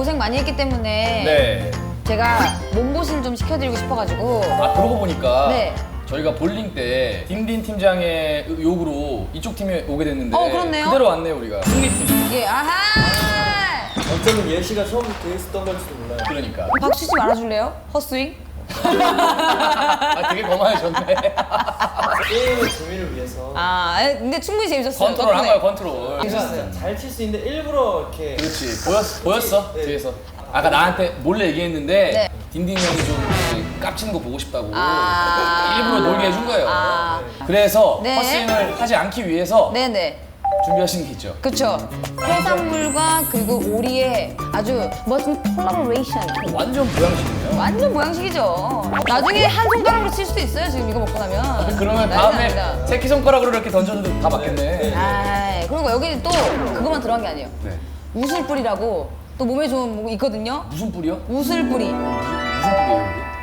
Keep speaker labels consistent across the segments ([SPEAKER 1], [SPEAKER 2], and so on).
[SPEAKER 1] 고생 많이 했기 때문에
[SPEAKER 2] 네.
[SPEAKER 1] 제가 몸보신 좀 시켜드리고 싶어가지고.
[SPEAKER 2] 아, 그러고 보니까
[SPEAKER 1] 네.
[SPEAKER 2] 저희가 볼링 때 딘딘 팀장의 요구로 이쪽 팀에 오게 됐는데
[SPEAKER 1] 그렇네요.
[SPEAKER 2] 그대로 왔네요, 우리가. 승리팀.
[SPEAKER 1] 예, 아하!
[SPEAKER 3] 어쩌면 예시가 처음부터 했었던 걸지도 몰라요.
[SPEAKER 2] 그러니까.
[SPEAKER 1] 박수 치지 말아줄래요? 헛스윙?
[SPEAKER 2] 아, 되게 거만해졌네.
[SPEAKER 3] 게임의 재미를 위해서
[SPEAKER 1] 근데 충분히 재밌었어요.
[SPEAKER 2] 컨트롤 한
[SPEAKER 1] 덕분에.
[SPEAKER 2] 거야, 컨트롤.
[SPEAKER 3] 잘 칠 수 있는데 일부러 이렇게
[SPEAKER 2] 그렇지. 보였어?
[SPEAKER 3] 네.
[SPEAKER 2] 뒤에서. 아까 나한테 몰래 얘기했는데
[SPEAKER 1] 네.
[SPEAKER 2] 딘딘 형이 좀 이렇게 깝치는 거 보고 싶다고
[SPEAKER 1] 아.
[SPEAKER 2] 일부러 놀게 해준 거예요.
[SPEAKER 1] 아.
[SPEAKER 2] 그래서
[SPEAKER 1] 네.
[SPEAKER 2] 헛스윙을 하지 않기 위해서
[SPEAKER 1] 네네.
[SPEAKER 2] 준비하신 게 있죠.
[SPEAKER 1] 그쵸. 해산물과 그리고 오리의 아주 멋진 콜라보레이션.
[SPEAKER 2] 완전 보양식이에요.
[SPEAKER 1] 완전 모양식이죠. 나중에 한 손가락으로 칠 수도 있어요. 지금 이거 먹고 나면.
[SPEAKER 2] 그러면
[SPEAKER 1] 난리
[SPEAKER 2] 다음에
[SPEAKER 1] 납니다.
[SPEAKER 2] 새끼손가락으로 이렇게 던져도 다 맞겠네.
[SPEAKER 1] 아이, 그리고 여기 또 그것만 들어간 게 아니에요.
[SPEAKER 2] 네.
[SPEAKER 1] 우슬뿌리라고 또 몸에 좋은 뭐 있거든요.
[SPEAKER 2] 무슨 뿌리요?
[SPEAKER 1] 우슬뿌리.
[SPEAKER 2] 무슨 뿌리예요?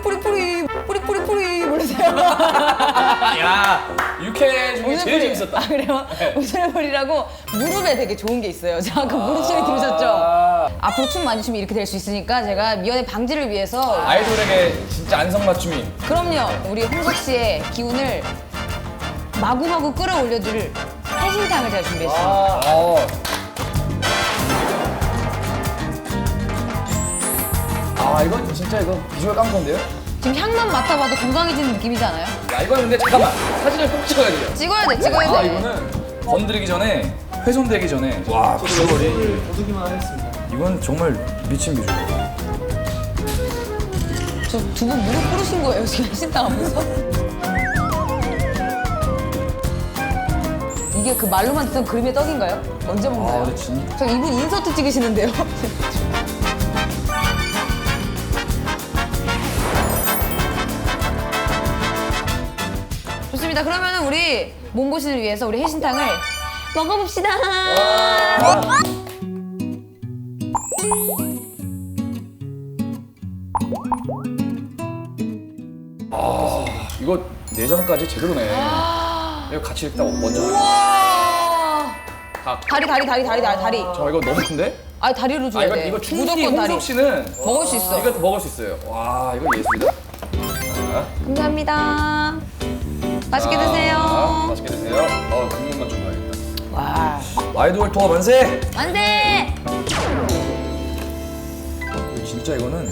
[SPEAKER 1] 뿌리 모르세요?
[SPEAKER 2] 야, 육회 중에 제일 재밌었다.
[SPEAKER 1] 아 그래요?
[SPEAKER 2] 네.
[SPEAKER 1] 우슬뿌리라고 무릎에 되게 좋은 게 있어요. 제가 아까 무릎 소리 들으셨죠? 앞으로 춤 많이 추면 이렇게 될 수 있으니까 제가 미연의 방지를 위해서
[SPEAKER 2] 아이돌에게 진짜 안성맞춤인.
[SPEAKER 1] 그럼요. 우리 홍석 씨의 기운을 마구마구 끌어올려줄 해신탕을 제가 준비했습니다.
[SPEAKER 2] 이건 진짜 이거 비주얼 깡패인데요?
[SPEAKER 1] 지금 향만 맡아봐도 건강해지는 느낌이지 않아요?
[SPEAKER 2] 야, 이거는 근데 잠깐만. 사진을 꼭 찍어야 돼요.
[SPEAKER 1] 찍어야 돼, 찍어야 돼.
[SPEAKER 2] 이거는 건드리기 전에, 훼손되기 전에. 와, 비주얼이.
[SPEAKER 3] 보기만 하겠습니다.
[SPEAKER 2] 이건 정말 미친 비주얼.
[SPEAKER 1] 저 두 분 무릎 꿇으신 거예요, 지금 해신탕 하면서? 이게 그 말로만 듣던 그림의 떡인가요? 언제 먹나요?
[SPEAKER 2] 근데 진짜.
[SPEAKER 1] 저 이분 인서트 찍으시는데요? 좋습니다. 그러면은 우리 몸보신을 위해서 우리 해신탕을 먹어봅시다.
[SPEAKER 2] 이거 내장까지 제대로네. 이거 같이 일단 먼저.
[SPEAKER 1] 우와!
[SPEAKER 2] 닭.
[SPEAKER 1] 다리.
[SPEAKER 2] 저 이거 너무 큰데?
[SPEAKER 1] 아 다리로 줘야 돼.
[SPEAKER 2] 이거 충분히
[SPEAKER 1] 무조건 다리.
[SPEAKER 2] 홍석 씨는
[SPEAKER 1] 먹을 수 있어.
[SPEAKER 2] 이것도 먹을 수 있어요. 와, 이거 예술이다. 자,
[SPEAKER 1] 감사합니다. 맛있게 드세요.
[SPEAKER 2] 맛있게 드세요. 국물만 좀 봐야겠다.
[SPEAKER 1] 와.
[SPEAKER 2] 아이돌 투어 만세!
[SPEAKER 1] 만세!
[SPEAKER 2] 진짜 이거는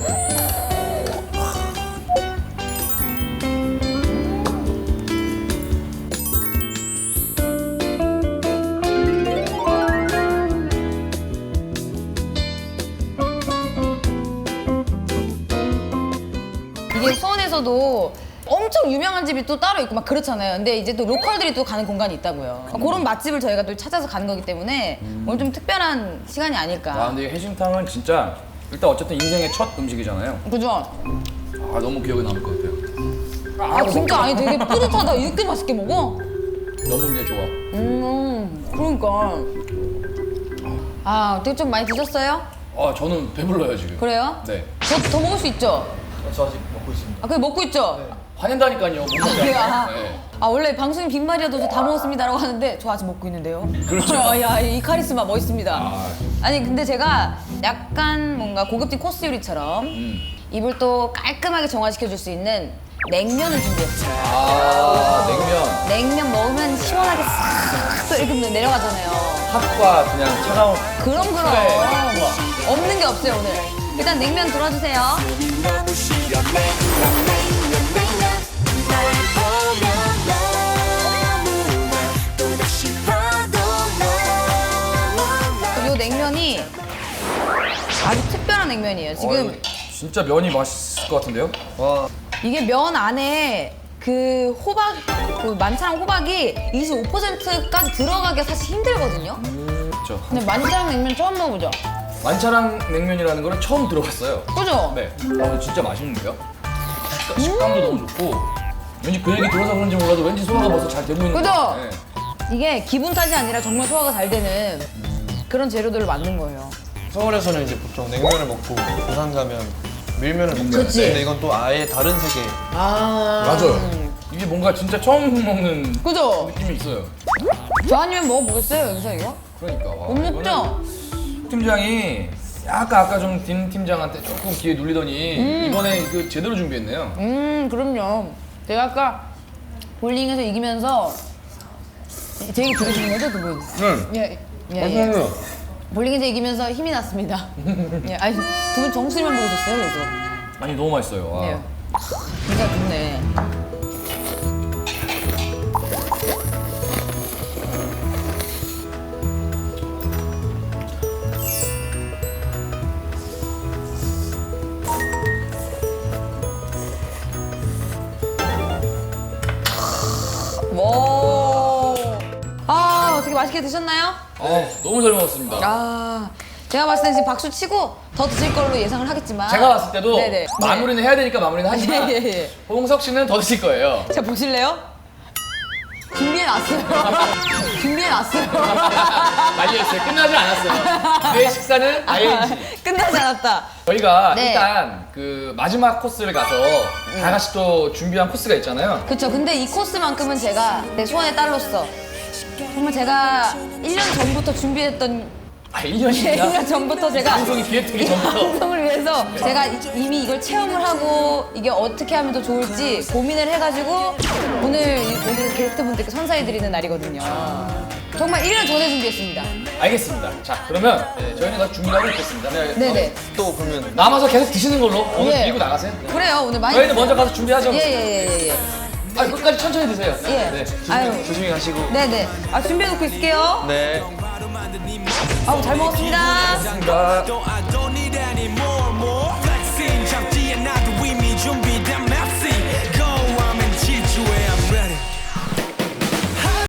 [SPEAKER 1] 이게 수원에서도 엄청 유명한 집이 또 따로 있고 막 그렇잖아요. 근데 이제 또 로컬들이 또 가는 공간이 있다고요. 그런 맛집을 저희가 또 찾아서 가는 거기 때문에 오늘 좀 특별한 시간이 아닐까.
[SPEAKER 2] 근데 이 해신탕은 진짜 일단 어쨌든 인생의 첫 음식이잖아요.
[SPEAKER 1] 그죠?
[SPEAKER 2] 너무 기억에 남을 것 같아요.
[SPEAKER 1] 진짜 아니 되게 뿌듯하다. 이렇게 맛있게 먹어?
[SPEAKER 2] 너무 이제 좋아.
[SPEAKER 1] 그러니까. 어떻게 좀 많이 드셨어요?
[SPEAKER 2] 저는 배불러요 지금.
[SPEAKER 1] 그래요?
[SPEAKER 2] 네.
[SPEAKER 1] 저 더 먹을 수 있죠?
[SPEAKER 3] 저 아직 먹고 있습니다.
[SPEAKER 1] 그래 먹고 있죠?
[SPEAKER 2] 화낸다니까요. 못 먹게
[SPEAKER 1] 그래요?
[SPEAKER 2] 하면. 네.
[SPEAKER 1] 원래 방송인 빈말이라도 저 다 먹었습니다라고 하는데 저 아직 먹고 있는데요.
[SPEAKER 2] 그렇죠.
[SPEAKER 1] 야, 이 카리스마 멋있습니다. 아니 근데 제가 약간 뭔가 고급진 코스 요리처럼 입을 또 깔끔하게 정화시켜줄 수 있는 냉면을 준비했어요.
[SPEAKER 2] 냉면.
[SPEAKER 1] 냉면 먹으면 시원하게 싹 또 이렇게 내려가잖아요.
[SPEAKER 2] 팥과 그냥 차가운.
[SPEAKER 1] 그럼
[SPEAKER 2] 그래.
[SPEAKER 1] 없는 게 없어요 오늘. 일단 냉면 들어주세요. 이 냉면이 아주 특별한 냉면이에요. 지금
[SPEAKER 2] 진짜 면이 맛있을 것 같은데요?
[SPEAKER 1] 이게 면 안에 그 호박, 그 만차랑 호박이 25%까지 들어가기가 사실 힘들거든요.
[SPEAKER 2] 그렇죠.
[SPEAKER 1] 근데 만차랑 냉면 처음 먹어보죠.
[SPEAKER 2] 만차랑 냉면이라는 거는 처음 들어봤어요.
[SPEAKER 1] 그죠?
[SPEAKER 2] 네. 근데 진짜 맛있는데요? 식감도 너무 좋고 왠지 그 얘기 들어서 그런지 몰라도 왠지 소화가 벌써 잘 되고 있는 것
[SPEAKER 1] 그죠?
[SPEAKER 2] 같아요. 네.
[SPEAKER 1] 이게 기분 탓이 아니라 정말 소화가 잘 되는 그런 재료들을 만든 거예요.
[SPEAKER 4] 서울에서는 이제 보통 냉면을 먹고 부산 가면 밀면을 먹잖아요.
[SPEAKER 1] 그치.
[SPEAKER 4] 근데 이건 또 아예 다른 세계.
[SPEAKER 2] 맞아요. 이게 뭔가 진짜 처음 먹는
[SPEAKER 1] 그죠?
[SPEAKER 2] 느낌이 있어요.
[SPEAKER 1] 저 아니면 먹어보겠어요, 여기서 이거?
[SPEAKER 2] 그러니까.
[SPEAKER 1] 못 먹죠?
[SPEAKER 2] 팀장이 약간 아까 좀 딘 팀장한테 조금 기회 눌리더니 이번에 그 제대로 준비했네요.
[SPEAKER 1] 그럼요. 제가 아까 볼링에서 이기면서 제 얘기 들으시는 거죠, 두 분?
[SPEAKER 2] 네.
[SPEAKER 1] 예. 볼링에서 이기면서 힘이 났습니다. 예, 아니, 두 분 정수리만 보고 있었어요, 그래서.
[SPEAKER 2] 아니 너무 맛있어요. 와.
[SPEAKER 1] 예. 진짜 좋네. 와. 아, 어떻게 맛있게 드셨나요?
[SPEAKER 2] 너무 잘 먹었습니다.
[SPEAKER 1] 아, 제가 봤을 때 지금 박수 치고 더 드실 걸로 예상을 하겠지만.
[SPEAKER 2] 제가 봤을 때도
[SPEAKER 1] 네네.
[SPEAKER 2] 마무리는 해야 되니까 마무리는 하지만
[SPEAKER 1] 예.
[SPEAKER 2] 홍석 씨는 더 드실 거예요.
[SPEAKER 1] 자, 보실래요? 준비해놨어요. 준비해놨어요.
[SPEAKER 2] 말려있어요. 끝나지 않았어요. 내 식사는 ING.
[SPEAKER 1] 끝나지 않았다.
[SPEAKER 2] 저희가
[SPEAKER 1] 네.
[SPEAKER 2] 일단 그 마지막 코스를 가서 다 같이 또 준비한 코스가 있잖아요.
[SPEAKER 1] 그쵸. 근데 이 코스만큼은 제가 내 소원의 딸로서 정말 제가 1년 전부터 준비했던
[SPEAKER 2] 1년이나
[SPEAKER 1] 1년 전부터 제가
[SPEAKER 2] 방송이 기획되기
[SPEAKER 1] 이
[SPEAKER 2] 전부터
[SPEAKER 1] 방송을 위해서 제가 이미 이걸 체험을 하고 이게 어떻게 하면 더 좋을지 고민을 해가지고 오늘 게스트분들께 선사해드리는 날이거든요. 정말 1년 전에 준비했습니다.
[SPEAKER 2] 알겠습니다. 자 그러면 저희는 다 준비를 하고 있겠습니다.
[SPEAKER 1] 네네.
[SPEAKER 4] 또 그러면
[SPEAKER 2] 남아서 계속 드시는 걸로 오늘
[SPEAKER 1] 예.
[SPEAKER 2] 밀고 나가세요.
[SPEAKER 1] 그래요. 오늘 많이.
[SPEAKER 2] 저희는 먼저 가서 준비하죠.
[SPEAKER 1] 예예예예.
[SPEAKER 2] 끝까지 천천히 드세요.
[SPEAKER 1] 예.
[SPEAKER 2] 네.
[SPEAKER 1] 아유.
[SPEAKER 4] 조심히 가시고.
[SPEAKER 1] 네네. 아 준비해놓고 있을게요.
[SPEAKER 4] 네.
[SPEAKER 1] 아우 잘 먹었습니다.
[SPEAKER 2] 감사합니다.
[SPEAKER 5] I don't need any more.